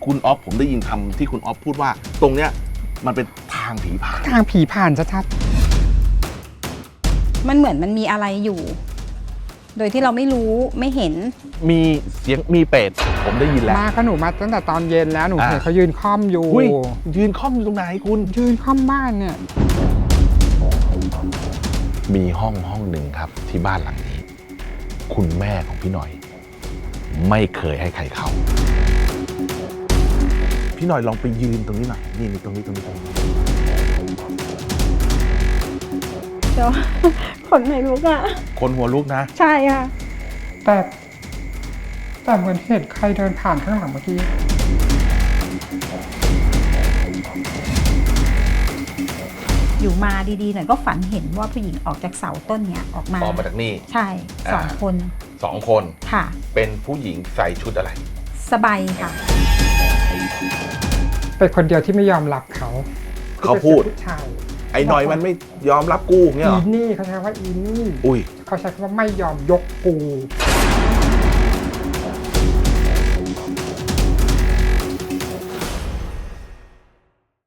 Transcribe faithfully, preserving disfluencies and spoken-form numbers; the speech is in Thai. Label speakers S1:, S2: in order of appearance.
S1: คุณออฟผมได้ยินคำที่คุณออฟพูดว่า ตรงเนี้ยมันเป็นทางผีผ่าน
S2: ทางผีผ่านชัด
S3: มันเหมือนมันมีอะไรอยู่ โดยที่เราไม่รู้ไม่เห็น
S1: มีเสียงมีเป็ดผมได้ยิน
S2: ๆ
S1: แล้ว
S2: มาก็หนูมาตั้งแต่ตอนเย็นแล้วหนู
S1: อ่า
S2: เห็นเขายืนค่อมอยู่
S1: อุ้ยยืนค่อมอยู่ตรงไหนคุณ
S2: ยืนค่อมบ้านเนี่ย
S1: มีห้องห้องหนึ่งครับที่บ้านหลังนี้ คุณแม่ของพี่หน่อย ไม่เคยให้ใครเข้า พี่หน่อยลองไปยืนตรงนี้หน่อยนี่นี่ตรงนี้ตรงนี้ตรงนี้
S3: เดี๋ยว ขนไหนลุกอ่ะ
S1: คนหัวลุกนะ
S3: ใช่ค่ะ
S2: แต่แต่เหมือนเห็นใครเดินผ่านข้างหลังเมื่อกี้
S3: อยู่มาดีๆหน่อยก็ฝันเห็นว่าผู้หญิงออกจากเสาต้นเนี้ยออกมา
S1: ออกมาจากนี่
S3: ใช่สอง
S1: อ่า
S3: คน
S1: สองคน
S3: ค่ะ
S1: เป็นผู้หญิงใส่ชุดอะไร
S3: สบายค่ะ
S2: เป็นคนเดียวที่ไม่ยอมรับเขา
S1: เขาพูด
S2: ผู้ชาย
S1: ไอ้หน่อยมันไม่ยอมรับกูเงี้ย
S2: อี
S1: เหรอ
S2: นี่เขาใช้ว่าอีนี่
S1: อุ้ย
S2: เขาใช้คำว่าไม่ยอมยกกู